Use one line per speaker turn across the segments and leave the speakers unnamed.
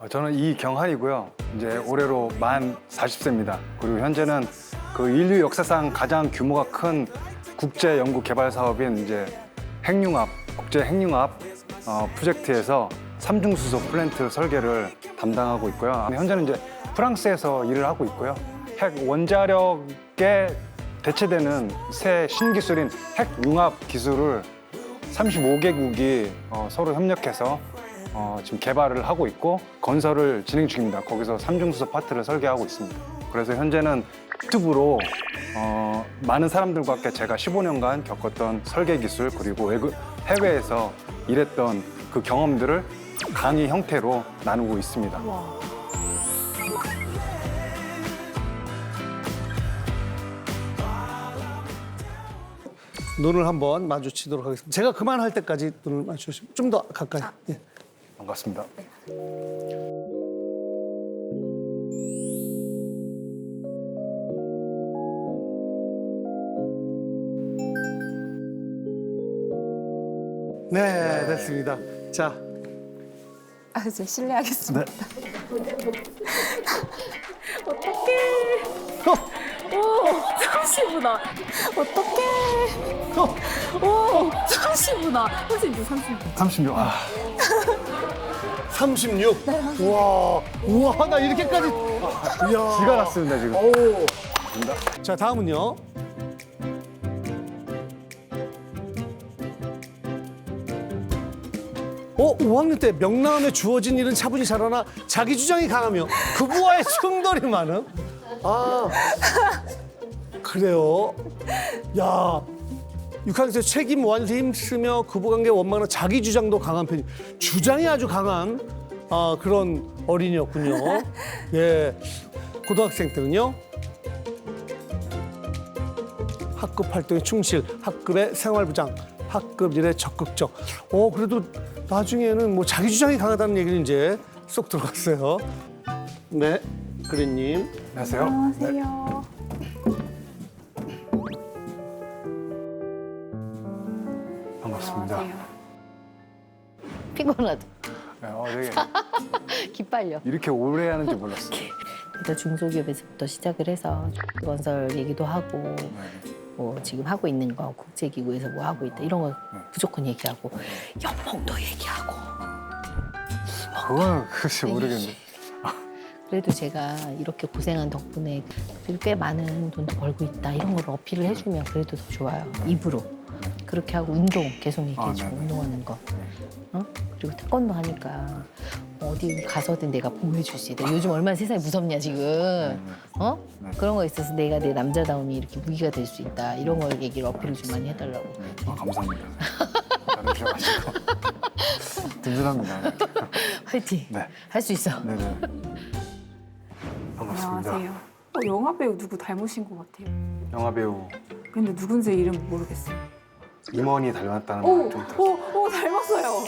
저는 이경한이고요. 이제 올해로 만 40세입니다. 그리고 현재는 그 인류 역사상 가장 규모가 큰 국제 연구 개발 사업인 이제 핵융합, 국제 핵융합 프로젝트에서 삼중수소 플랜트 설계를 담당하고 있고요. 현재는 이제 프랑스에서 일을 하고 있고요. 핵 원자력에 대체되는 새 신기술인 핵융합 기술을 35개국이 서로 협력해서 지금 개발을 하고 있고 건설을 진행 중입니다. 거기서 삼중수소 파트를 설계하고 있습니다. 그래서 현재는 유튜브로 많은 사람들과 함께 제가 15년간 겪었던 설계 기술 그리고 해외에서 일했던 그 경험들을 강의 형태로 나누고 있습니다.
와.
눈을 한번 마주치도록 하겠습니다. 제가 그만할 때까지 눈을 마주치시면 좀 더 가까이. 예.
반갑습니다.
네, 됐습니다. 자,
아, 이제 실례하겠습니다. 어떡해. 오, 30분아. 어떡해. 오, 30분아. 선생님, 30분.
36.
36. 우와, 우와, 나 이렇게까지. 이야.
기가 났습니다, 지금.
오. 자, 다음은요. 어, 5학년 때 명랑함에 주어진 일은 차분히 잘하나 자기 주장이 강하며 그부와의 충돌이 많음. 아, 그래요. 야, 6학년 때 책임 완수에 힘쓰며 그부관계 원만한 자기 주장도 강한 편이. 주장이 아주 강한 그런 어린이였군요. 예, 고등학생 때는요. 학급 활동에 충실, 학급의 생활부장, 학급 일에 적극적. 그래도 나중에는 뭐 자기 주장이 강하다는 얘기는 이제 쏙 들어갔어요. 네, 그린님.
안녕하세요.
안녕하세요.
반갑습니다.
안녕하세요.
피곤하다.
되게
기빨려.
이렇게 오래 하는지 몰랐어요.
일단 중소기업에서부터 시작을 해서 건설 얘기도 하고 뭐 지금 하고 있는 거 국제기구에서 뭐 하고 있다 이런 거 무조건 얘기하고 연봉도 얘기하고.
그건 글쎄 모르겠는데.
그래도 제가 이렇게 고생한 덕분에 그래도 꽤 많은 돈도 벌고 있다 이런 걸 어필을 해주면 그래도 더 좋아요. 입으로. 그렇게 하고 운동 계속 얘기해주고
네네.
운동하는 거. 그리고 태권도 하니까 어디 가서든 내가 보호해줄 수 있다. 요즘 얼마나 세상이 무섭냐 지금.
네.
그런 거 있어서 내가 내 남자다움이 이렇게 무기가 될 수 있다. 이런 걸 얘기를 어필을 좀 많이 해달라고.
감사합니다. 잘해주셔가지고 든든합니다.
화이팅.
네.
할 수 있어.
네네. 반갑습니다.
안녕하세요. 영화 배우 누구 닮으신 것 같아요.
영화 배우
근데 누군지 이름 모르겠어요.
임원이 닮았다는
오,
말 좀 들었어요.
오, 닮았어요.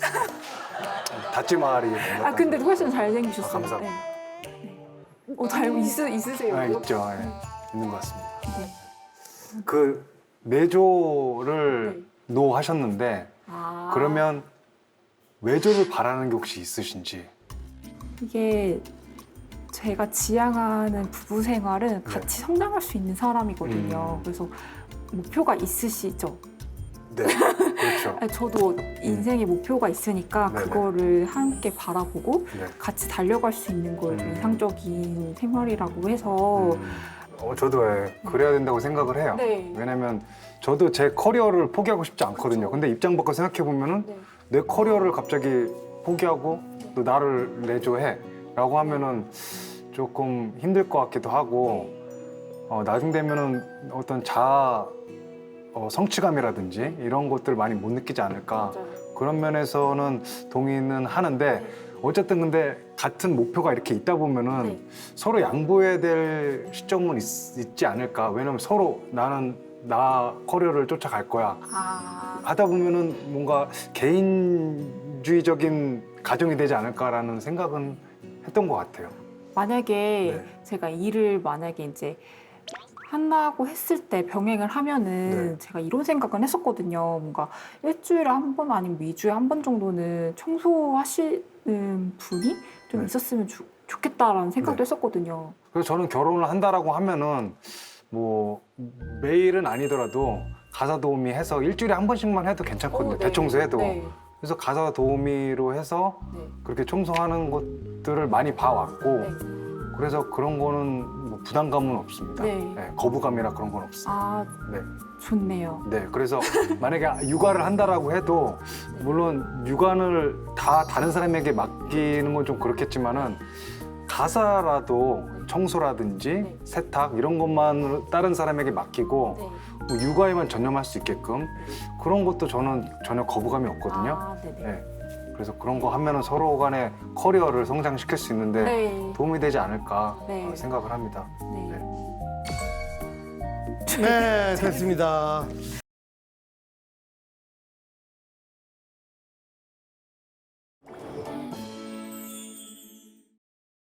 다찌마리 닮았다는.
아, 근데 훨씬 잘생기셨어요.
감사합니다.
네. 있으세요?
있죠. 네. 있는 것 같습니다.
네.
그 내조를
네.
노 하셨는데
아,
그러면 외조를 바라는 게 혹시 있으신지?
이게 제가 지향하는 부부 생활은 같이 성장할 수 있는 사람이거든요. 그래서 목표가 있으시죠?
네, 그렇죠.
아니, 저도 인생의 목표가 있으니까
네네.
그거를 함께 바라보고
네.
같이 달려갈 수 있는 걸 좀 이상적인 생활이라고 해서
저도 그래야 된다고 생각을 해요.
네.
왜냐면 저도 제 커리어를 포기하고 싶지 않거든요.
그렇죠.
근데 입장 바꿔 생각해 보면은
네.
내 커리어를 갑자기 포기하고 또 나를 내조해 라고 하면은 조금 힘들 것 같기도 하고 나중 되면은 어떤 자아 성취감이라든지 이런 것들 많이 못 느끼지 않을까.
맞아요.
그런 면에서는 동의는 하는데 어쨌든 근데 같은 목표가 이렇게 있다 보면은
네.
서로 양보해야 될 시점은 있지 않을까. 왜냐면 서로 나는 나 커리어를 쫓아갈 거야
아,
하다 보면은 뭔가 개인주의적인 가정이 되지 않을까라는 생각은 했던 것 같아요.
만약에
네.
제가 일을 만약에 이제 한다고 했을 때 병행을 하면은
네.
제가 이런 생각은 했었거든요. 뭔가 일주일에 한 번 아니면 2주에 한 번 정도는 청소하실 분이 좀
네.
있었으면 좋겠다라는 생각도
네.
했었거든요.
그래서 저는 결혼을 한다라고 하면은 뭐 매일은 아니더라도 가사 도우미 해서 일주일에 한 번씩만 해도 괜찮거든요.
네.
대청소해도.
네.
그래서 가사 도우미로 해서
네.
그렇게 청소하는 것들을 많이 봐왔고
네.
그래서 그런 거는 뭐 부담감은 없습니다.
네.
네, 거부감이나 그런 건 없어요.
아,
네.
좋네요.
네, 그래서 만약에 육아를 한다라고 해도 물론 육아를 다 다른 사람에게 맡기는 건 좀 그렇겠지만은 가사라도 청소라든지
네.
세탁 이런 것만 다른 사람에게 맡기고
네.
뭐 육아에만 전념할 수 있게끔 그런 것도 저는 전혀 거부감이 없거든요.
아, 네네.
네. 그래서 그런 거 하면은 서로 간의 커리어를 성장시킬 수 있는데
네.
도움이 되지 않을까
네.
생각을 합니다.
네.
네.
네, 됐습니다.